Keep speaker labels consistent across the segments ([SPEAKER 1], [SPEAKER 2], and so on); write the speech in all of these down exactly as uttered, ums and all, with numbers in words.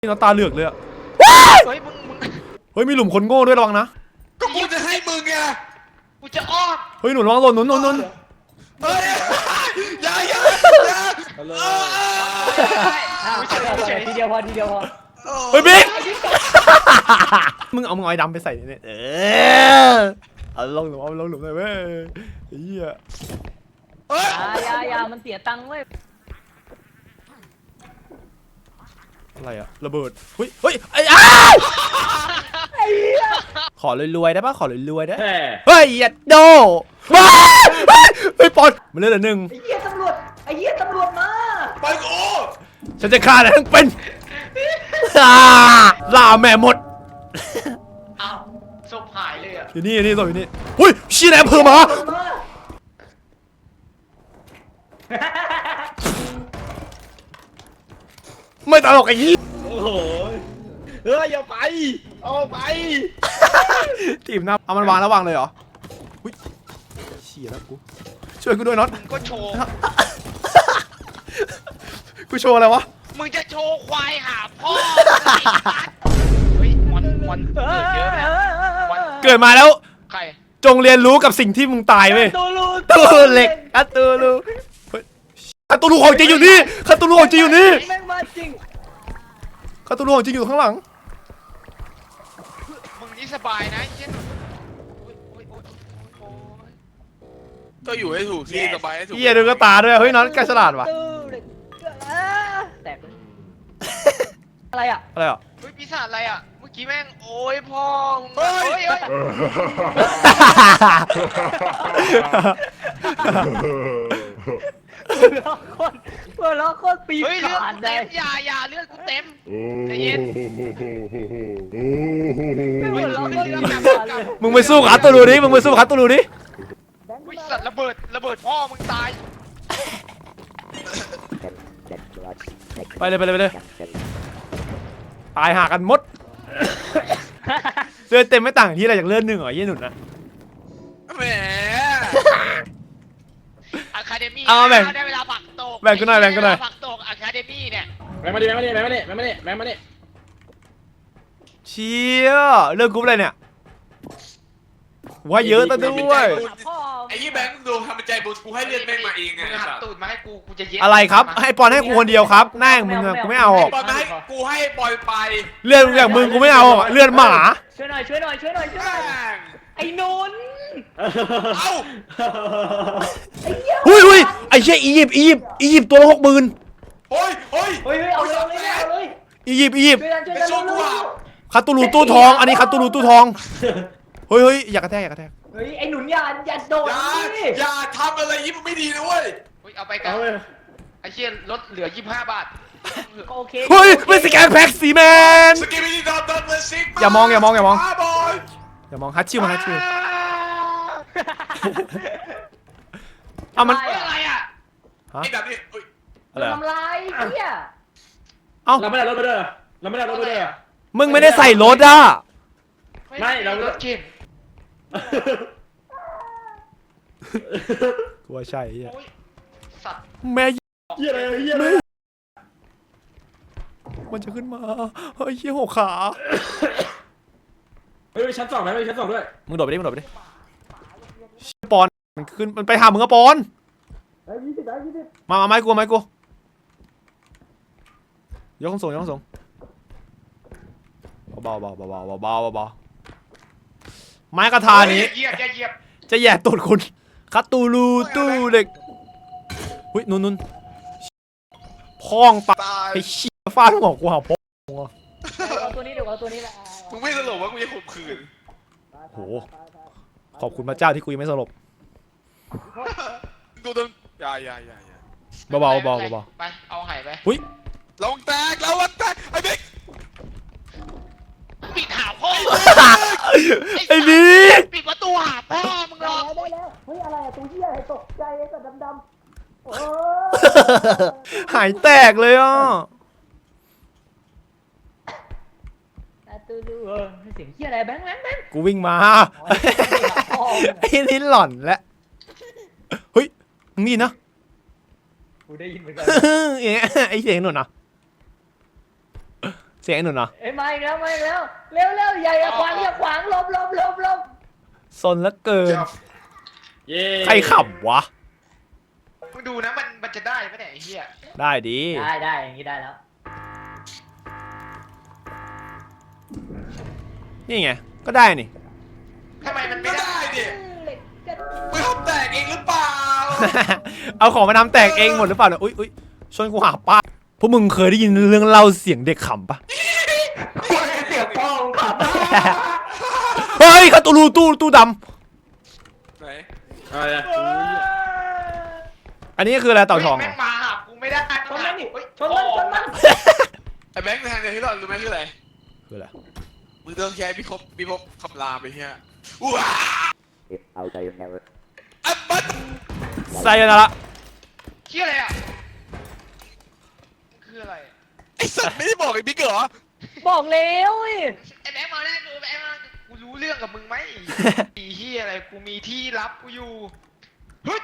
[SPEAKER 1] นี่เราตาเหลือกเลยอะ
[SPEAKER 2] เฮ้ยมึงมึง
[SPEAKER 1] เฮ้ยมีหลุมคนโง่ด้วยระวังนะ
[SPEAKER 3] ก็กูจะให้มึงไง
[SPEAKER 2] กูจะอ้อม
[SPEAKER 1] เฮ้ยหนุนระวังหล่นหนุนหนุนหนุน
[SPEAKER 3] เฮ้ยอย่าอย่าอย่า
[SPEAKER 4] ทีเดียวพอทีเดียวพอ
[SPEAKER 1] เฮ้ยบิ๊กมึงเอามึงเอาไอ้ดำไปใส่เนี่ยเออเอาลงหลุมเอาลงหลุมเลยเว้ยเฮีย
[SPEAKER 4] ยายามันเสียตังค์เว้ย
[SPEAKER 1] อะไรอะระเบิดเฮ้ยเฮ้ยไอ้อ้าวขอรวยๆได้ปะขอรวยๆได้เฮ้ยยัดโดเฮ้ยปอนมันเล่นเหลือหนึ่ง
[SPEAKER 4] ไอ้เหี้ยตำรวจไอ้เหี้ยตำรวจมา
[SPEAKER 3] ไปกู
[SPEAKER 1] ฉันจะฆ่าอะไรทั้งเป็นล่าแม่หมด
[SPEAKER 2] อ้าวศพหายเลยอ่ะ
[SPEAKER 1] อยู่นี่อยู่นี่ตัวอยู่นี่หุ้ยชี้แหนมเพิ่มมาไม่ตลกไอ้ยี่
[SPEAKER 3] โอ้โหเฮ้ยอย่าไปเอาไป
[SPEAKER 1] ทีมหน้าเอามันวางแล้ววางเลยเหรอหุ้ยเชี่ยแล้วกูช่วยกูด้วยน็อต
[SPEAKER 2] มึงก็โชว์
[SPEAKER 1] กูโชว์อะไรวะ
[SPEAKER 2] มึงจะโชว์ควายหาพ่อเฮ้ยมันมันเกิดเยอะนะ
[SPEAKER 1] เกิดมาแล้ว
[SPEAKER 2] ใคร
[SPEAKER 1] จงเรียนรู้กับสิ่งที่มึงตายเว้ยตูเหล็กอะตูลูคาตูลูของจริงอยู่นี่คาตูลูของจริงอยู่นี่
[SPEAKER 4] แม่งมาจริง
[SPEAKER 1] คาตูลูของจริงอยู่ข้างหลัง
[SPEAKER 2] มึงนี่สบายนะเช่น
[SPEAKER 3] ก็อยู่ให้ถูกที่สบายให้ถูก
[SPEAKER 1] เฮียดูกระตาด้วยเฮ้ยน้องแกฉลาดว่ะ
[SPEAKER 4] แตกอะไรอ่ะ
[SPEAKER 1] อะไรอ่ะ
[SPEAKER 2] เฮ้ยปีศาจอะไรอ่ะเมื่อกี้แม่งโอ้ยพ่อมึงเฮ้ยเฮ้ย
[SPEAKER 4] เพื่อล้อโคตรปี
[SPEAKER 2] เฮ้ยเลือด
[SPEAKER 4] ขาด
[SPEAKER 2] กู
[SPEAKER 4] เล
[SPEAKER 2] เต็
[SPEAKER 4] ย
[SPEAKER 2] มอย่าอย่าเลือดกูเต็มใจเย็น
[SPEAKER 1] มึงไปสู้คาตูลูดิมึงไปสู้คาตูลูดิ
[SPEAKER 2] วิสัตว์ระเบิดระเบิดพ่อมึงตาย
[SPEAKER 1] ไปเลยไปเลยไปเลยตายหากันหมดเลือดเต็มไม่ต่างที่อะไรจากเลือดหนึ่งเหรอยี่หนุนนะ
[SPEAKER 3] แหม
[SPEAKER 2] อะคาเดมี่
[SPEAKER 1] เอาแบ่ง
[SPEAKER 2] ได้เวลาผักตก
[SPEAKER 1] แบ่งกันหน่อยแบ่งกันหน่อย
[SPEAKER 2] ผักตกอะคาเดมี่เนี่ย
[SPEAKER 3] แบ่งมาดิแบ่งมาดิแบ่งมาดิแบ่งมาดิแบ่งมาดิ
[SPEAKER 1] เชี่ยเลือกกรุ๊ปอะไรเนี่ยว่าเยอะตั้งด้วย
[SPEAKER 3] ไอ้ยี่แบงค์ดูทำเป็นใจบุญกูให้เลือดแม่งมาเองไง
[SPEAKER 2] หักตูดมาให้กูกูจะเย็ด
[SPEAKER 1] อะไรครับให้ปอนให้กูคนเดียวครับแน่งมึงกูไม่เอา
[SPEAKER 3] ปอนมาให้กูให้ปอยไป
[SPEAKER 1] เลือดอย่างมึงกูไม่เอาเลือดหมา
[SPEAKER 4] ช่วยหน่อยช่วยหน่อยช่วยหน่อยช่วยหน่อยไอ้นนท์
[SPEAKER 3] เอ้า
[SPEAKER 1] หุ้ยหุ้ยไอ้เชี่ยอียิปต์อียิปต์อียิปต์ตัวละหกหมื่น
[SPEAKER 3] โอ้ยโอ้ย
[SPEAKER 4] เฮ้ยเอาเลยเอาเลย
[SPEAKER 1] อียิปต์อียิปต์
[SPEAKER 4] ช่วยกันช่วยกันช่วยกัน
[SPEAKER 1] คาตูลูตู้ทองอันนี้คาตูลูตู้ทองเฮ้ยเฮ้ยอย่ากระแทกอย่ากระแทก
[SPEAKER 4] เฮ้ยไอ้หนุนอย่าอย่าโดด
[SPEAKER 3] อย่าอย่าทำอะไรยิ่งไม่ดีนะเว้ย
[SPEAKER 2] เฮ้ยเอาไปกันไอ้เชี่ยลดเหลือยี่สิบห้าบาท
[SPEAKER 4] โอเค
[SPEAKER 1] เฮ้ยไม่สแกนแพ็กสีแมน
[SPEAKER 3] สกิปปี้ดอทดอทเลยซิก
[SPEAKER 1] อย่ามองอย่ามองอย่ามองอย่ามองฮัตชิวมาฮัตชิวเอามัน
[SPEAKER 2] อะไรอ่ะ
[SPEAKER 3] ไอ้แบบนี้
[SPEAKER 1] อะไร
[SPEAKER 4] ทำลายเนี่ย
[SPEAKER 1] เอ้า
[SPEAKER 3] เราไม่ได้รถไปเด้อเราไม่ได้รถไปเด้อ
[SPEAKER 1] มึงไม่ได้ใส่รถอ่ะ
[SPEAKER 2] ไม่เรารถเข็น
[SPEAKER 1] กูว่าใช่เฮีย
[SPEAKER 2] สัตว์
[SPEAKER 1] แม่
[SPEAKER 3] เฮียอะไรเฮียอะไร
[SPEAKER 1] มันจะขึ้นมาเฮ้ยเฮียหกขา
[SPEAKER 3] เฮ้ยชั้นสองไหมไม่ชั้นสองด้วย
[SPEAKER 1] มึงโดดไปดิมึงโดดไปดิปอนมันขึ้นมันไปหามึงอะปอนมามาไม้กูไม้กูยกส่งยกส่งเบาเบาเบาเบาเบาเบาเบาไม้กระทานี้จะแย่ตูดคุณคาตูลูตู้เด็กหุ้ยนุ่นนุ่นพ้องปะไอ้ชี้ฟาดหัวกูหาพ้อง
[SPEAKER 4] เอาตัวนี้เดี๋ยวเอาตัวนี้แหละ
[SPEAKER 3] มึงไม่สลบว่ากูจะข่มขืน
[SPEAKER 1] โหขอบคุณพระเจ้าที่กูยังไม่สลบ
[SPEAKER 3] ดูต้นอย่าอย่าอย่าอย่า
[SPEAKER 1] เบาเบาเบาเบา
[SPEAKER 2] ไปเอาหายไป
[SPEAKER 1] หุ้ย
[SPEAKER 3] ลงแตกแล้ววันแตกไอ้บิ๊ก
[SPEAKER 2] ปิดหาพ่อ
[SPEAKER 1] ไอ้บิ๊ก
[SPEAKER 2] ปิดประตูหาพ่อมึงหรอ
[SPEAKER 4] ได้แล้วเฮ้ยอะไรอะตัวเหี้ยอะไรตกใจไอ้สัตว์ดำๆโอ้
[SPEAKER 1] หายแตกเลยอ่ะ
[SPEAKER 4] ตูดูเออเสียงเหี้ยอะไรแบงค์แบงค์แบงค์
[SPEAKER 1] กูวิ่งมาไอ้นี่หล่อนแล้วเฮ้ยมึงนี่นะ
[SPEAKER 4] กูได้ยินเหมือนกัน
[SPEAKER 1] ไอ้เสียงหนุนอ่ะเสียงไอ้หนุ่นเหรอ
[SPEAKER 4] เอ้ยมาอีกแล้วมาอีกแล้วเร็วเร็วอย่าอย่าขวางอย่าขวางหลบหลบหลบหลบ
[SPEAKER 1] ซนแล้วเกิน
[SPEAKER 3] เย้
[SPEAKER 1] ใครขับวะ
[SPEAKER 2] มึงดูนะมันมันจะได้ไหมเนี่ยไอ้เหี้ย
[SPEAKER 1] ได้ดี
[SPEAKER 4] ได้ได้อย่างนี้ได้แล้ว
[SPEAKER 1] นี่ไงก็ได้นี่
[SPEAKER 2] ทำไมมันไม่
[SPEAKER 5] ก็
[SPEAKER 2] ได้
[SPEAKER 5] ได้ดิ
[SPEAKER 4] เหล็กกระ
[SPEAKER 5] มึงทำแตกเองหรือเปล่า
[SPEAKER 1] เอาของมาทำแตกเองหมดหรือเปล่าเนี่ยอุ้ยอุ้ยชวนกูหาป้าพวกมึงเคยได้ยินเรื่องเล่าเสียงเด็กขำปะ
[SPEAKER 4] เสียงป้องขับ
[SPEAKER 1] เฮ้ยคาตูรูตู้ตู้ด
[SPEAKER 5] ไหน
[SPEAKER 3] อะไรอะ
[SPEAKER 1] ำอันนี้คืออะไรเต่าทองเหร
[SPEAKER 2] แม่
[SPEAKER 1] อง
[SPEAKER 2] มาหากูไม่ได้
[SPEAKER 4] ชนมันนี่
[SPEAKER 2] เฮ้ย
[SPEAKER 4] ชนมันชนมัน
[SPEAKER 5] ไอ้แบงค์แทนเดียวที่เรารู้ไหมคืออะไร
[SPEAKER 1] คืออะไร
[SPEAKER 5] มึงต้องแค่พี่คบพี่พบคำรามไปเฮียว้า
[SPEAKER 6] I'll tell you never.
[SPEAKER 5] อับบัด
[SPEAKER 1] ไซยานาระ
[SPEAKER 2] เหี้ยอะไรอ่ะคืออะไร
[SPEAKER 5] ไอ้สัตว์ไม่ได้บอกไอ้บิ๊กเหรอ
[SPEAKER 4] บอกแล้วเว้ย
[SPEAKER 2] ไอ้แบงค์มาแน่กูแบงค์มากูรู้เรื่องกับมึงไหมไอ้เหี้ยอะไรกูมีที่รับกูอยู่เฮ้ย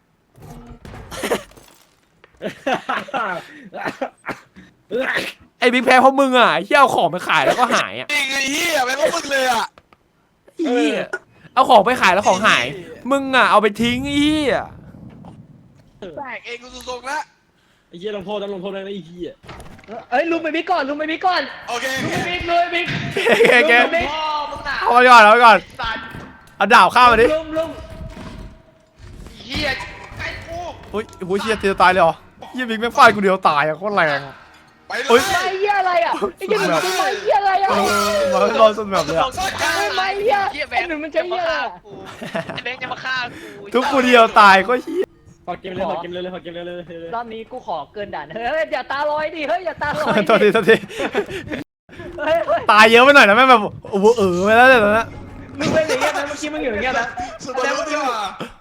[SPEAKER 1] ไอ้บิ๊กแพ้เพราะมึงอ่ะที่เอาของไปขายแล้วก็หายอ่ะ
[SPEAKER 5] จริงไอ้เฮียแบงค์ก็มึงเลยอ่ะ
[SPEAKER 1] เหี้ยเอาของไปขายแล้วของหาย มึงอ่ะเอาไปทิ้งไอ้เหี้ย
[SPEAKER 5] แตกเองกูทรงๆแล้ว
[SPEAKER 3] ไอ้เหี้ยลงโทษต้องลงโทษนะไอ้เหี้ย
[SPEAKER 4] เอ้ยลุมไปบิ๊กก่อนลุมไปบิ๊กก่อน
[SPEAKER 5] โอเค
[SPEAKER 4] ลุมไปบิ๊กเลยบิ๊ก
[SPEAKER 1] แกแก
[SPEAKER 4] ลุมไปบิ๊ก
[SPEAKER 2] พ่อมึงหนา
[SPEAKER 1] เอาไปก่อนเอาไปก่อน
[SPEAKER 2] สัตว์
[SPEAKER 1] เอาดาบข้ามมาดิ
[SPEAKER 4] ลุมลุม
[SPEAKER 2] ไอ้เหี้ยไอ้กู
[SPEAKER 1] อุ้ยโอ้ยเชี่ยจะตายเลยเหรอเหี้ยบิ๊กแม่งฟาดกูเดียวตายอ่ะโคตรแรง
[SPEAKER 5] ไปเล
[SPEAKER 1] เฮ้ย
[SPEAKER 5] ย
[SPEAKER 4] ไม่เหี้ยอะไรอ่ะไอ้เหี้ยหนุ่มมันไม่เหี้ยอะไรอ่ะ
[SPEAKER 1] เออมาให้รอดสุดแบบเลยอะ
[SPEAKER 4] ไม่เหี้ยไอ้หนุ่มมันจะเหี้ยอะไรอะ
[SPEAKER 2] ไอ้แบงค์จะมาฆ่ากู
[SPEAKER 1] ทุกกูเดียวตายก็เหี้ย
[SPEAKER 3] พอเกมเลยพอเกมเลยเลยพอเกมเลยเลยเลย
[SPEAKER 4] รอบนี้กูขอเกินด่านเฮ้ยอย่าตาลอยดิเฮ้ยอย่าตาลอย
[SPEAKER 1] โทษทีโทษที
[SPEAKER 4] เฮ้ยเฮ้ย
[SPEAKER 1] ตายเยอะไปหน่อยนะแม่งแบบโอ้โหเออไปแล้วเนี่ยตอนนั้น
[SPEAKER 4] มึงเป็นอย่างเงี้ยนะเมื่อกี้มึงอยู่อย่างเงี้ยนะ
[SPEAKER 5] สมมติว่า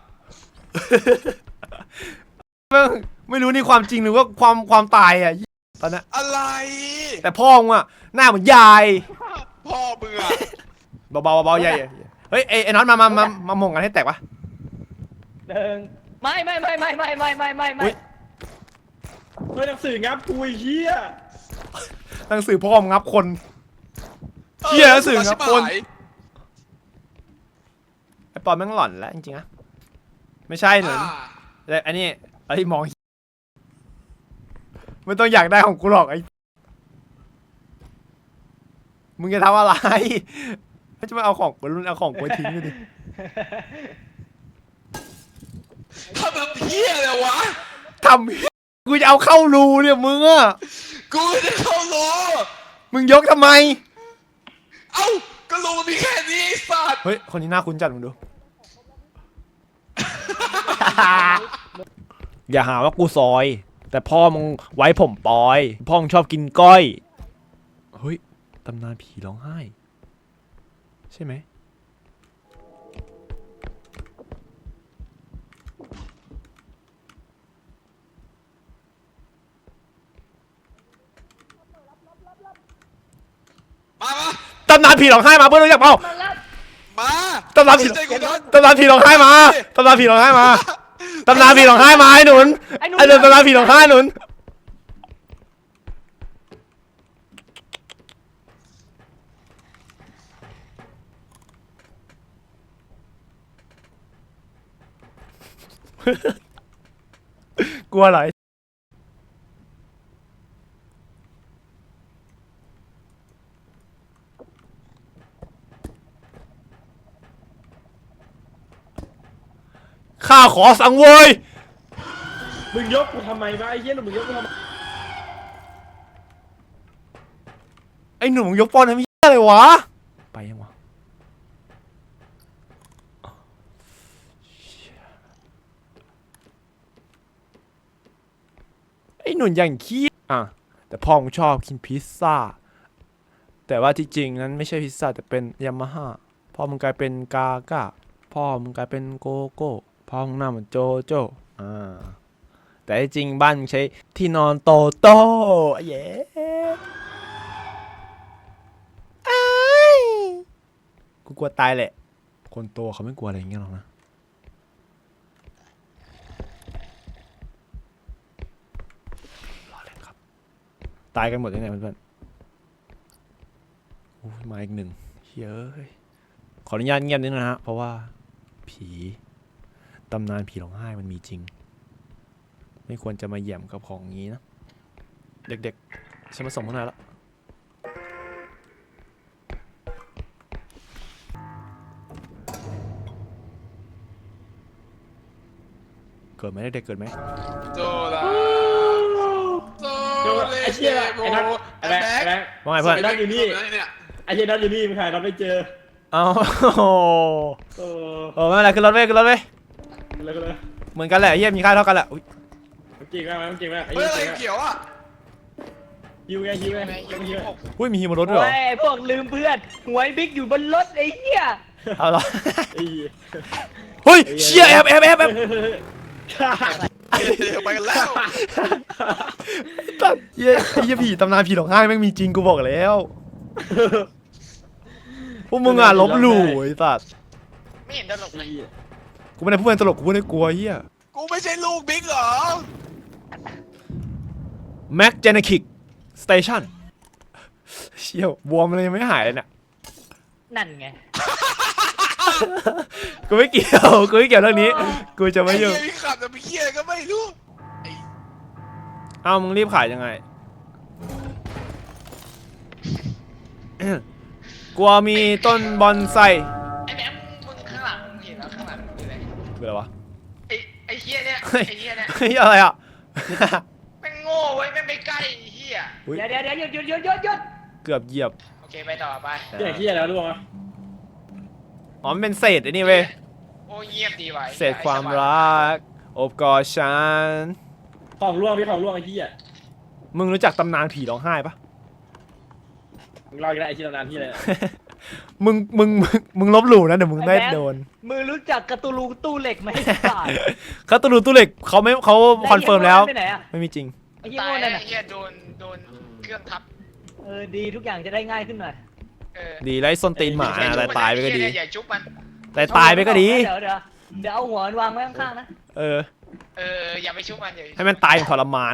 [SPEAKER 1] แม่งไม่รู้นี่ความจริงหรือว่าความความตายอ่ะตอนนั้น
[SPEAKER 5] อะไร
[SPEAKER 1] แต่พ่อมึงอ่ะหน้าเหมือนยาย
[SPEAKER 5] พ่อมึงอ่ะ
[SPEAKER 1] เบาๆเบาๆใหญ่เฮ้ยไอ้ไอ้น็อตมามามามาหม่งกันให้แตกปะ
[SPEAKER 4] หนึ่งไม่ไม่ไม่ไม่ไม่ไม่ไม่ไม่ไม่
[SPEAKER 1] อุ๊ย
[SPEAKER 3] เฮ้ยหนังสืองับกูไอ้เหี้ย
[SPEAKER 1] หนังสือพ่อมึงงับคน เหี้ยหนังสือครับคน ไอ้ปอนแม่งหล่อนแล้วจริงๆนะไม่ใช่หนุน
[SPEAKER 5] อ่า
[SPEAKER 1] แต่อันนี้ไอ้มองไม่ต้องอยากได้ของกูหรอกไอ้มึงจะทำอะไรไม่จะมาเอาของกูรุ่นเอาของกูไปทิ้งเลยดิ
[SPEAKER 5] ทำแบบเฮียเลยวะ
[SPEAKER 1] ทำกูจะเอาเข้ารูเนี่ยมึงอะ
[SPEAKER 5] กูจะเข้าโล
[SPEAKER 1] มึงยกทำไม
[SPEAKER 5] เอ้าก็โลมีแค่นี้ไอ้สัตว์
[SPEAKER 1] เฮ้ยคนนี้น่าคุ้นจัดมึงดู อย่าหาว่ากูซอย แต่พ่อมึงไว้ผมปอย พ่อมึงชอบกินก้อย เฮ้ย ตำนานผีร้องไห้ ใช่ไหม
[SPEAKER 5] มามา
[SPEAKER 1] ตำนานผีร้องไห้มาเพื่อนรู้จักเปล่า
[SPEAKER 4] มาแล้ว
[SPEAKER 5] มา
[SPEAKER 1] ตำนานผี
[SPEAKER 5] ใจกูนะ
[SPEAKER 1] ตำนานผีร้องไห้มาตำนานผีร้องไห้มาตำนานผีร้องไห้มาไอ้หนุน
[SPEAKER 4] ไอ้หนุ่ม
[SPEAKER 1] ไอ้เดินตำนานผีร้องไห้หนุนกลัวอะไรข้าขอสังเวย
[SPEAKER 3] มึงยกกูทำไมวะไอ้เหี้ยหนุ่มมึงยกกูทำไม
[SPEAKER 1] ไอ้หนุ่มมึงยกปอนทำเหี้ยอะไรวะ ไปยังวะไอ้หนุ่มอย่างขี้อ่ะแต่พ่อมึงชอบกินพิซซ่า แต่ว่าที่จริงนั้นไม่ใช่พิซซ่าแต่เป็นยามาฮ่าพ่อมึงกลายเป็นกาก้าพ่อมึงกลายเป็นโกโก้พ่อมึงหน้าเหมือนโจโจอ่าแต่ที่จริงบ้านมึงใช้ที่นอนโตโต้เย้อ้ายกูกลัวตายแหละ คนโตเขาไม่กลัวอะไรอย่างเงี้ยหรอกนะรอเล่นครับ ตายกันหมดยังไงเพื่อนอ้ยมาอีกหนึ่งเฮ้ยขออนุญาตเงียบนิดนะฮะเพราะว่าผีตำนานผีร้องไห้มันมีจริงไม่ควรจะมาแหย่มกับของงี้นะเด็กๆฉันมาส่งพวกนายแล้วเกิดไหมเด็กๆเกิดไหม
[SPEAKER 5] โซลาโซ
[SPEAKER 3] เดี๋ยว
[SPEAKER 5] เล
[SPEAKER 3] ไอ้เชี่ย
[SPEAKER 5] โม
[SPEAKER 3] ไอ้นัทไอ้แบงค์ไอ้แบงค์
[SPEAKER 1] ว่าไงเพื่อน
[SPEAKER 3] ไอ้นัทอยู่นี่
[SPEAKER 5] เนี่ย
[SPEAKER 3] ไอ้เชี่ยนัทอยู่นี่มึงหานัทไม่เจอ
[SPEAKER 1] เอา
[SPEAKER 3] โอ้
[SPEAKER 1] โอ้ไม่เป็นไรขึ้นรถเว้ยขึ้นรถเว้ย
[SPEAKER 3] เลยก็เลย
[SPEAKER 1] เหมือนกันแหละเฮียมีค่าเท่ากันแหละอุ๊ย
[SPEAKER 3] มันจริงมากมันจริงมากไอ้
[SPEAKER 5] เฮ้ยอะไร
[SPEAKER 3] เหี้ย
[SPEAKER 5] เขียวอ่ะ
[SPEAKER 3] ฮิวไงฮิวไง
[SPEAKER 2] แม่ง
[SPEAKER 3] ฮิ
[SPEAKER 2] ยิ
[SPEAKER 3] ว
[SPEAKER 2] ง
[SPEAKER 3] ไง
[SPEAKER 2] หก
[SPEAKER 1] อุ้ยมีฮีบนรถด้วยเหร
[SPEAKER 4] โอ้
[SPEAKER 1] อย
[SPEAKER 4] พวกลืมเพื่อนหวยบิ๊กอยู่บนรถไอ้เหี้ย
[SPEAKER 1] เอาเหรอ
[SPEAKER 3] ไอ้เหี้ย
[SPEAKER 1] เฮ้ยเชี่ยแอบแอบแอบแอบ
[SPEAKER 5] เดี๋ยวไปกันแล้ว
[SPEAKER 1] เฮียเฮียผีตำนานผีร้องไห้แม่งมีจริงกูบอกแล้วพวกมึงอ่ะลบหลู่ไอ้สัส
[SPEAKER 2] ไม่เห็นตลกเลย
[SPEAKER 1] กูไม่ได้พูดเป็นตลกกูพูดในกลัวเฮีย
[SPEAKER 5] กูไม่ใช่ลูกบิ๊กเหรอ
[SPEAKER 1] แม็กเจเนคิกสเตชันเชี่ยวบวมเลยยังไม่หายเลยเนี่ย
[SPEAKER 4] นั่นไง
[SPEAKER 1] กูไม่เกี่ยวกูไม่เกี่ยวเรื่องนี้กูจะไม่
[SPEAKER 5] ไอ้
[SPEAKER 1] ยุ่ง
[SPEAKER 5] เหี้ยมีขับแต่มีเคียก็ไม่รู้ไอ้
[SPEAKER 1] เอ้ามึงรีบขายยังไงกลัวมีต้นบอนไซ
[SPEAKER 2] ไอ้แบงค์มึงข้างหลังมึงเห็นแล้วข้างหลังคืออะไร
[SPEAKER 1] คืออะไรวะ
[SPEAKER 2] ไอ้ไอ้เฮียเนี่ย
[SPEAKER 1] เฮ้ย
[SPEAKER 2] ไอ้เฮียเนี่ย
[SPEAKER 1] เฮ้ยอะไรอ่ะ
[SPEAKER 2] แม่งโง่เว้ยแม่งไปใกล้ไอ้เฮีย
[SPEAKER 1] อุ๊ย
[SPEAKER 4] เดี๋ยวเดี๋ยวเดี๋ยวหยุดหยุดหยุดหยุดหยุด
[SPEAKER 1] เกือบเหยียบ
[SPEAKER 2] โอเคไปต่อไป
[SPEAKER 3] เหี้ยเหี้ยแล้วรู้ป่ะ
[SPEAKER 1] อ๋อมันเป็นเศษไอ้นี่เว้ย
[SPEAKER 2] โอ้เงียบดีว่ะ
[SPEAKER 1] เศษความรักโอบกอดฉัน
[SPEAKER 3] ของร่วงพี่ของร่วงไอ้เหี้ย
[SPEAKER 1] มึงรู้จักตำนานผีร้องไห้ปะ
[SPEAKER 3] มึงรออีกแล้วไอ้ที่ตำนานที่อะไร
[SPEAKER 1] มึงมึงมึงมึงลบหลู่นะเดี๋ยวมึงได้โดน
[SPEAKER 4] มึงรู้จักกระตูลูตู้เหล็กไหมไอ้สัส
[SPEAKER 1] เขาตูรูตู้เหล็กเขาไม่เขาคอนเฟิร์มแล้ว
[SPEAKER 4] ไปไหนอะ
[SPEAKER 1] ไม่มีจริง
[SPEAKER 4] ไอ้เหี้ย
[SPEAKER 2] ตาย
[SPEAKER 4] โง่
[SPEAKER 2] แล้
[SPEAKER 4] นั่
[SPEAKER 2] วน ไอ้
[SPEAKER 4] น่ะ
[SPEAKER 2] เฮียโดนโดนเครื่องทับ
[SPEAKER 4] เออดีทุกอย่างจะได้ง่ายขึ้นหน่อย
[SPEAKER 2] เออ
[SPEAKER 1] ดีแล้วไอ้ส้นตีนหมา
[SPEAKER 2] อย่
[SPEAKER 1] แต่
[SPEAKER 2] จุ๊บมัน
[SPEAKER 1] ตายไปก็ดี
[SPEAKER 2] อ้เหี้อย่าจุ๊บมัน
[SPEAKER 1] แต่ตายไปก็ดี
[SPEAKER 4] เดี๋ยวเดี๋ยวเดี๋ยวเอาหัวมันวางไว้ข้างๆนะ
[SPEAKER 1] เออ
[SPEAKER 2] เอออย่าไปจุ๊บมันอย่าไปจุ๊บ
[SPEAKER 1] ให้มันตายอย่างทรมาน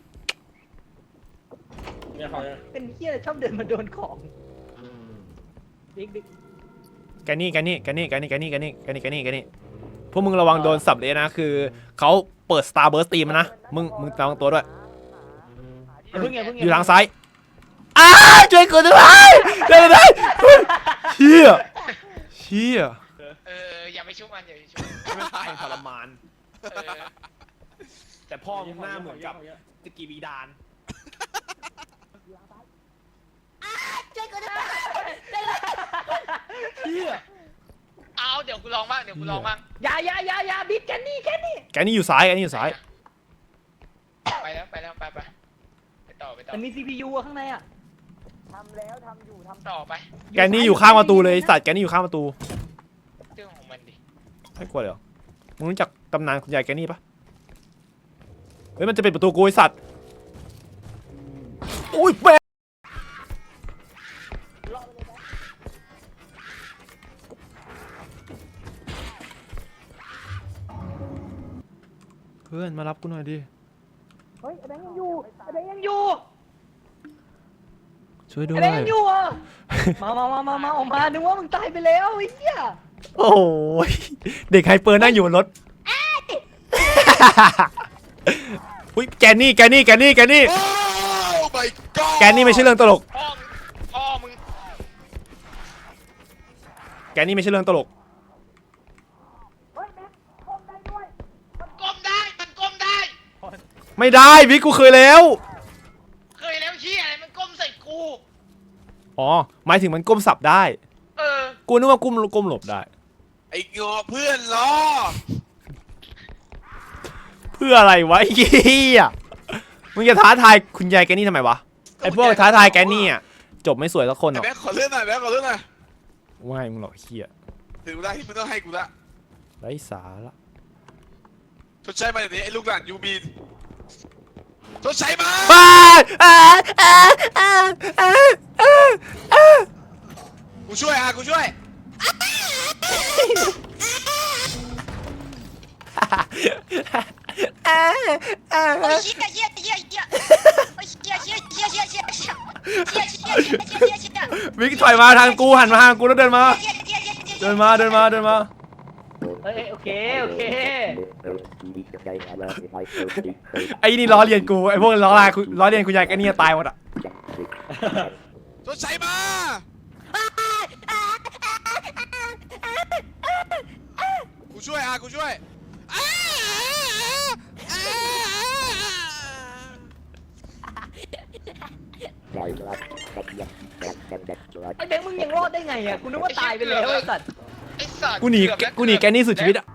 [SPEAKER 3] เนี่ยของ
[SPEAKER 4] เป็นเหี้ยชอบเดินมาโดนของบิ๊กบิ๊ก
[SPEAKER 1] แกนี่แกนี่แกนี่แกนี่แกนี่แกนี่แกนี่แกนี่แกนี่พวกมึงระวังโดนสับเลยนะคือเขาเปิด Star Burst ตีมันนะมึงมึงระวังตัวด้วย
[SPEAKER 4] อย่าเพิ่งอย่าเพิ่ง
[SPEAKER 1] อยู่ทางซ้ายอ้าช่วยกูด้วยช่วยกูด้วยเชี่ยเชี่ย
[SPEAKER 2] เอออย่าไปชุบมันอย่าไปชุบ
[SPEAKER 1] ให้มันตายอย่างทรมาน
[SPEAKER 2] เออ
[SPEAKER 1] แต่พ่อมึงหน้าเหมือนกับตะกีบีดาน เชี่ย
[SPEAKER 2] เอาเดี๋ยวกูลองบ้างเดี๋ยวกูลองบ้าง
[SPEAKER 4] อย่าอย่าอย่าอย่าบิ๊กแค่นี้แค่นี้
[SPEAKER 1] แกนี่อยู่ซ้ายแกนี่อยู่ซ้าย
[SPEAKER 2] ไปแล้วไปแล้วไปไปไปต่อไปต่อ
[SPEAKER 4] มันมี ซี พี ยู อะข้างในอะ
[SPEAKER 2] ต่อไป
[SPEAKER 1] แกนี่อยู่ข้างประตูเลยไอ้สัตว์แกนี่อยู่ข้างประตู
[SPEAKER 2] เรื่องของมันดิ
[SPEAKER 1] ไม่กลัวเลยเหรอมึงรู้จักตำนานคุณยายแกนี่ปะเฮ้ยมันจะเป็นประตูกูไอสัตว์อุ้ยแม่เพื่อนมารับกูหน่อยดิ
[SPEAKER 4] เฮ้ยไอ้แบงค์ยังอยู่ไอ้แบงค์ยังอยู่
[SPEAKER 1] ช่วยด้ว
[SPEAKER 4] ไอ้
[SPEAKER 1] ย
[SPEAKER 4] แบงค์ยังอยู่อ่ะมามามามามาออกมานึกว่ามึงตายไปแล้วไอ้เหี้ย
[SPEAKER 1] โอ้ยเด็กไฮเปอร์นั่งอยู่บนรถอุ้ยแกนี่แกนี่แกนี่แกนี่
[SPEAKER 5] โอ้ my god
[SPEAKER 1] แกนี่ไม่ใช่เรื่องตลก
[SPEAKER 2] พ่อพ่อมึง
[SPEAKER 1] แกนี่ไม่ใช่เรื่องตลก
[SPEAKER 2] มันก้มได้มันก้มได้
[SPEAKER 1] ไม่ได้พี่กูเคยแล้ว
[SPEAKER 2] เคยแล้วเชี่ยอะไรมันก้มใส่กู
[SPEAKER 1] อ๋อหมายถึงมันก้มสับได้
[SPEAKER 2] เออ
[SPEAKER 1] กูนึกว่าก้มก้มหลบได้
[SPEAKER 5] ไอ้งอเพื่อนล้อ
[SPEAKER 1] เพื่ออะไรวะไอ้เหี้ยมึงจะท้าทายคุณยายแกนี่ทำไมวะไอพวกท้าทายแกนี่อ่ะจบไม่สวยสักคนหร
[SPEAKER 5] ไอ้
[SPEAKER 1] อก
[SPEAKER 5] แบ๊กขอเลื่อนหน่อยแบ๊กขอเลื่อนหน่อย
[SPEAKER 1] ว่าให้มึงหรอกไอ้เหี้ย
[SPEAKER 5] ถึงเวลาที่มึงต้องให้กูละ
[SPEAKER 1] ไร้สาระ
[SPEAKER 5] ชดใช้มาอย่างนี้ไอ้ลูกหลานยูบีนชดใช้มา
[SPEAKER 1] อ้าอ้าอ้าอ้าอ้าอ้า
[SPEAKER 5] กูช่วยอ่ะกูช่วย
[SPEAKER 1] อ้าอ้า
[SPEAKER 7] 我一个一个一个，我一个一个一个一个一个，一个一个一个一个一个。
[SPEAKER 1] บิ๊กถอยมาทางกูหันมาทางกูแล้วเดินมา เดินมาเดินมาเดินมา
[SPEAKER 4] เอ้ยโอเคโอเค
[SPEAKER 1] ไอ้นี่ล้อเลียนกูไอ้พวกล้อลายกูล้อเลียนกูใหญ่ไอ้นี่ตายหมดอ่ะ
[SPEAKER 5] ชดใช้มา กูช่วยอ่ะกูช่วยอ้าอ้าอ้า
[SPEAKER 4] ไอ้แบงค์มึงยังรอดได้ไงอ่ะกูนึกว่าตายไปแล้วไอ้สัตว์
[SPEAKER 2] ไอ้สัตว์
[SPEAKER 1] กูหนี
[SPEAKER 2] เอบแล้ว
[SPEAKER 1] กูหนีแกนี่สุดชีวิตอ่ะ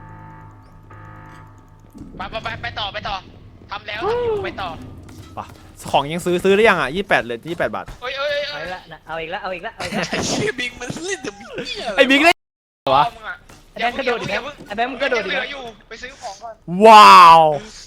[SPEAKER 2] ไปไปไปไปต่อไปต่อทำแล้วทำอยู่ไปต่อ
[SPEAKER 1] ป่ะของยังซื้อซื้อได้ยังอ่ะยี่สิบแปดเลยยี่สิบแปดบาท
[SPEAKER 2] เอ้ยเอ้ย
[SPEAKER 4] เอา
[SPEAKER 2] เอ้
[SPEAKER 4] อี
[SPEAKER 2] ย
[SPEAKER 4] กละนะเอาอีกละเอาอีกละเอาอีกละ
[SPEAKER 5] ไอ้เชี่ยบิงมันเล่นแต่บิงเนี่ย
[SPEAKER 1] ไอ้บิ๊กได้วะ
[SPEAKER 2] มึงอะ
[SPEAKER 4] ไอ้แบงค์กระโดดดิแบงค์ไอ้แบงค์มึงกระโดดดิ
[SPEAKER 2] เห
[SPEAKER 4] แบ
[SPEAKER 2] ลื
[SPEAKER 4] ง
[SPEAKER 2] อ
[SPEAKER 4] ค์
[SPEAKER 2] อยู่ไปซื้อของก่อน
[SPEAKER 1] ว้าว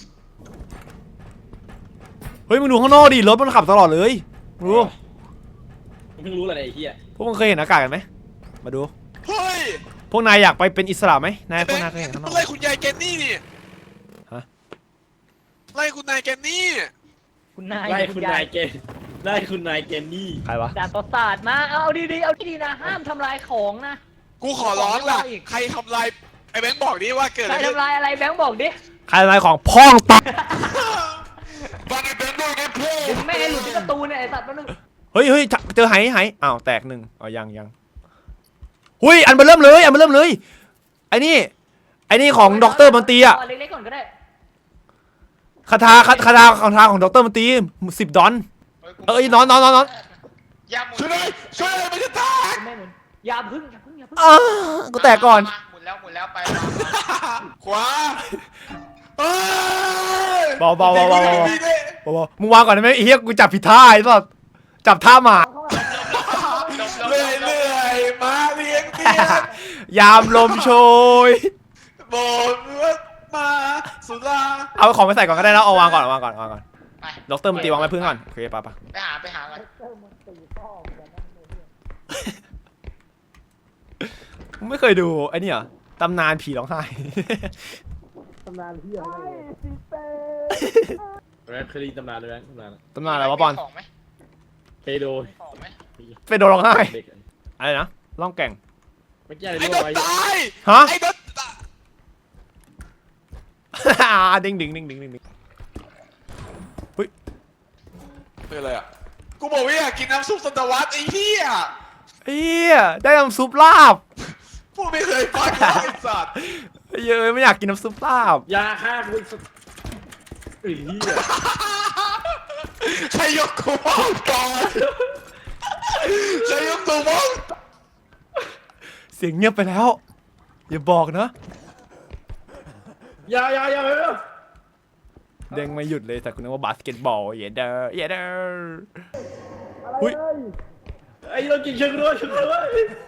[SPEAKER 1] เฮ้ยมึงดูข้างนอกดิรถมันขับตลอดเลยมึงดู
[SPEAKER 3] มึงเพิ่งรู้อะไรไอ้เหี้ย
[SPEAKER 1] พวกมึงเคยเห็นอากาศกันไหมมาดู
[SPEAKER 5] เฮ้ย
[SPEAKER 1] พวกนายอยากไปเป็นอิสระไหมนายพวกนายเคยเห็นข้างน
[SPEAKER 5] มั
[SPEAKER 1] อน ก
[SPEAKER 5] ไล่คุณยายแกนนี่นี่
[SPEAKER 1] ฮะ
[SPEAKER 5] ไล่คุณนายแกนนี่
[SPEAKER 4] คุณนาย
[SPEAKER 3] ไล่คุณนายเกนไล่คุณนายเกนนี่
[SPEAKER 1] ใครวะ
[SPEAKER 4] ด่านต่อศาสตร์มาเอาดีๆเอาดีๆนะห้ามทำลายของนะ
[SPEAKER 5] กูขอร้องล่ะ
[SPEAKER 4] ขออีก
[SPEAKER 5] ใครทำลายไอ้แบงค์บอกดิว่าเกิด
[SPEAKER 4] ใค
[SPEAKER 5] อะ
[SPEAKER 4] ร
[SPEAKER 5] ไรขึ้น
[SPEAKER 4] ทำลายอะไรแบงค์บอกดิ
[SPEAKER 1] ใครทำลายของพ่องตา
[SPEAKER 5] บ้านไอ้แบงค์ด้วยนะพ่อ
[SPEAKER 4] เดี๋ยวแม่ให้หลุดที่ประตูเนี่ยไอ้สัตว์แป๊บนึง
[SPEAKER 1] เฮ้ยเฮ้ยเจอไหไหอ้าวแตกหนึ่งอ๋อยังยังหุยอันมาเริ่มเลยอันมาเริ่มเลยไอ้นี่ไอ้นี่ของด็อกเตอร์บันตีอะ
[SPEAKER 4] เาเล็กๆก่อนก็ได้
[SPEAKER 1] คาถาคาคาถาคาถาของด็อกเตอร์บันตีสิบดอน
[SPEAKER 2] กู
[SPEAKER 1] เอ้ยนอนนอนนอนนอน
[SPEAKER 2] อย่าหมุน
[SPEAKER 5] ช่วยหน่อยช่วยหน่อยไม่ใช่ตา
[SPEAKER 4] คุณแม่หมุนอย่าพึ่งอย่าพึ่งอย่าพึ่ง
[SPEAKER 1] อ้ากูแตกก่อน
[SPEAKER 2] มาหมุนแล้วหมุนแล้วไป
[SPEAKER 5] ขวาเอ้ย
[SPEAKER 1] เบาเบาเบาเบาเบา
[SPEAKER 5] ดีดิ
[SPEAKER 1] บอกว่ามึงวางก่อนได้ไหมไอ้เหี้ยกูจับผิดท่าไอ้สัสจับท่าหมา
[SPEAKER 5] เรื่อยเรื่อยๆมาเลี้ยงเตี้ย
[SPEAKER 1] ยามลมโชย
[SPEAKER 5] โบนรถมาสุรา
[SPEAKER 1] เอาของไปใส่ก่อนก็ได้นะเอาวางก่อนเอาวางก่อนเอาวางก่อน
[SPEAKER 2] ไป
[SPEAKER 1] ด็อกเตอร์มันตีวางไว้พื้นก่อนโอเคปะปะ
[SPEAKER 2] ไปหาไปหากัน
[SPEAKER 1] มึงไม่เคยดูไอ้นี่เหรอตำนานผีร้องไห้
[SPEAKER 3] แรปคดีตำนานเลยแบงค์ตำนาน
[SPEAKER 1] ตำนานอะไรวะบอล
[SPEAKER 2] มีของไหม
[SPEAKER 3] เปโด
[SPEAKER 2] มีของไหม
[SPEAKER 1] เฟโดร้องไห้
[SPEAKER 3] เด็ก
[SPEAKER 1] อะไรนะล่องแก่ง
[SPEAKER 3] ไม่ใช่อะไร
[SPEAKER 5] ไอ้
[SPEAKER 3] รู้
[SPEAKER 5] โดน
[SPEAKER 3] ไว้
[SPEAKER 5] ตาย
[SPEAKER 1] ฮะ
[SPEAKER 5] ไอ้โดนตาย
[SPEAKER 1] ดึงดึงดึงดึงดึงดึง
[SPEAKER 5] เป็นอะไรอ่ะกูบอกว่าอยากกินน้ำซุปสัตวัตไอ้เหี้ย
[SPEAKER 1] เอี้ยได้น้ำซุปลาบ
[SPEAKER 5] พวกไม่เคยฟังเลยไอ้สัตว์
[SPEAKER 1] เยอะไม่อยากกินน้ำซุปลาบ
[SPEAKER 3] ยาฆ่ากูอีกสักไอ้เหี้ย
[SPEAKER 5] ใครยกกูมองก่อนใครยกกูมอง
[SPEAKER 1] เสียงเงียบไปแล้ว อย่าบอกนะ
[SPEAKER 3] ยายายาไปแล้ว
[SPEAKER 1] เด้งไม่หยุดเลยแต่คุณนึกว่าบาสเกตบอลเยเดอร์เยเดอร์อุ้ย
[SPEAKER 3] ไอ้เรากินเชิงด้วยเชิงด้วย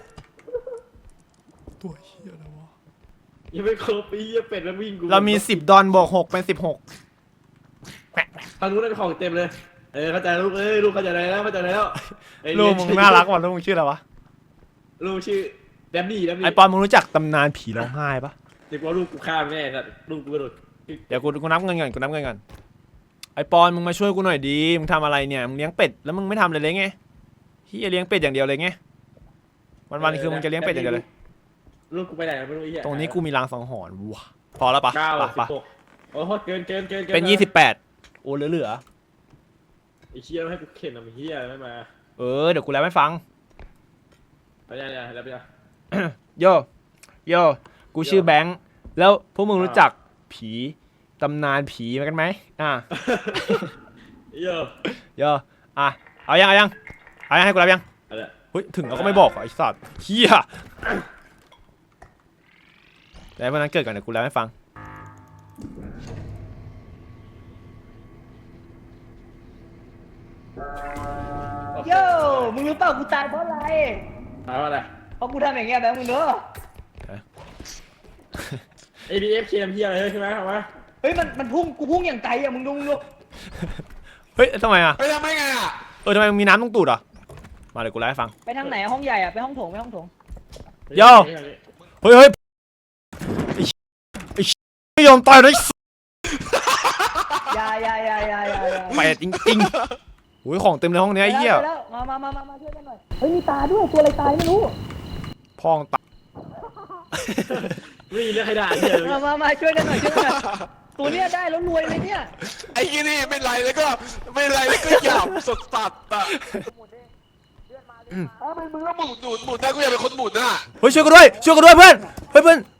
[SPEAKER 1] ตัวเฮียอะไรวะ
[SPEAKER 3] ยังไม่ครบปีเหี้ยเป็ดมันวิ่งกู
[SPEAKER 1] เรามีสิบดอนบวกหกเป็นสิบหก
[SPEAKER 3] ทางนู้นได้ของเต็มเลยเออเข้าใจลูกเอ้ยลูกเข้าใจแล้วเข้าใจแล้วไอ้
[SPEAKER 1] ลูกมึงน่ารักว่ะลูกมึงชื่ออะไรวะ
[SPEAKER 3] ลูกชื่อแดมนี่แดมนี่
[SPEAKER 1] ไอปอนมึงรู้จักตำนานผีร้องไห้ปะ
[SPEAKER 3] เด็กว่าลูกกูฆ่าแม่ครับลูกกูกระโดด
[SPEAKER 1] เดี๋ยวกูกูนับเงินก่อนกูนับเงินก่อนไอปอนมึงมาช่วยกูหน่อยดีมึงทำอะไรเนี่ยมึงเลี้ยงเป็ดแล้วมึงไม่ทำเลยเลยไงเฮียเลี้ยงเป็ดอย่างเดียวเลยไงวันวันๆคือมึงจะเลี้ยงเป็ดอย่างเดียวเลย
[SPEAKER 3] ลูกกูไปไหนไม่รู้ไอ้เหี้ย
[SPEAKER 1] ตรงนี้กูมีรางสังหรณ์ว่ะพอแล้วปะ
[SPEAKER 3] เก้า
[SPEAKER 1] ปะ
[SPEAKER 3] สิ
[SPEAKER 1] ปะ
[SPEAKER 3] บหกโอ้โหเกินเกินเกิน
[SPEAKER 1] เป็นยี่สิบแปดโอ้เหลือเหลือ
[SPEAKER 3] ไอ้เหี้ยไม่ให้กูเข็นอ่ะไอ้เหี้ยไม่มา
[SPEAKER 1] เออเดี๋ยวกูแล้วไม่ฟัง
[SPEAKER 3] ไปยังไงแล้วไปยัง
[SPEAKER 1] โยโยกูชื่อแบงค์แล้วพวกมึงรู้จักผีตำนานผีมากันไหมอ่ะ
[SPEAKER 3] เยอะ
[SPEAKER 1] โยอ่ะเอายังเอายังเอายังให้กูรับยัง
[SPEAKER 3] อะไร
[SPEAKER 1] เฮ้ยถึงแล้วก็ไม่บอกเหรอไอ้สัตว์เฮียแล้ววันนั้นเกิดก่อนเดี๋ยวกูแล้วให้ฟัง
[SPEAKER 4] โย่มึงรู้เปล่ากูตายเพราะอะไร
[SPEAKER 3] ถามว่าอะไร
[SPEAKER 4] เพราะกูทำอย่างเงี้ยแบงค์มึงเนอะ
[SPEAKER 3] เอ ดี เอฟ เค เอ็ม เหี้ยอะไรใช่ไหมเอามา
[SPEAKER 4] เฮ้ยมันมันพุ่งกูพุ่งอย่างไกลอะมึงดูมึงดู
[SPEAKER 1] เฮ้ยทำไมอ่ะ
[SPEAKER 5] ไปทำไมไงอ่ะ
[SPEAKER 1] เออทำไมมึงมีน้ำตรงตูดอ่ะมาเดี๋ยวกูแล้วให้ฟัง
[SPEAKER 4] ไปทางไหนอะห้องใหญ่อะไปห้องโถงไปห้องโถง
[SPEAKER 1] โย่ เฮ้ยเฮ้ยไอ้เหี้ยไอ้เหี้ยไม่ยอมตายเลย
[SPEAKER 4] อยาอยาอยาอยาอยาอยา
[SPEAKER 1] ไปจริงจริงๆอุ้ยของเต็มในห้องเนี้ยไอ้เหี้ย
[SPEAKER 4] ไปแล้วมามามามามาช่วยกันหน่อยเฮ้ยมีตาด้วยตัวอะไรตายไม่รู้
[SPEAKER 1] พองตา
[SPEAKER 3] ไม่มีเรื่องใครด่าเนี่ย
[SPEAKER 4] มามามาช่วยกันหน่อยช่วยกันหน่อยตัวเนี้ยได้แล้วรวยเลยเนี่ย
[SPEAKER 5] ไอ้ยี่นี่ไม่ไรแล้วก็ไม่ไรแล้วก็หยาบสดสัดอ่ะเอ้าเป็นมึงแล้วหมุนหมุนหมุนได้กูอยากเป็นคนหมุนอ่ะ
[SPEAKER 1] เฮ้ยช่วยกันด้วยช่วยกันด้วยเพื่อนเฮ้ยเพื่อน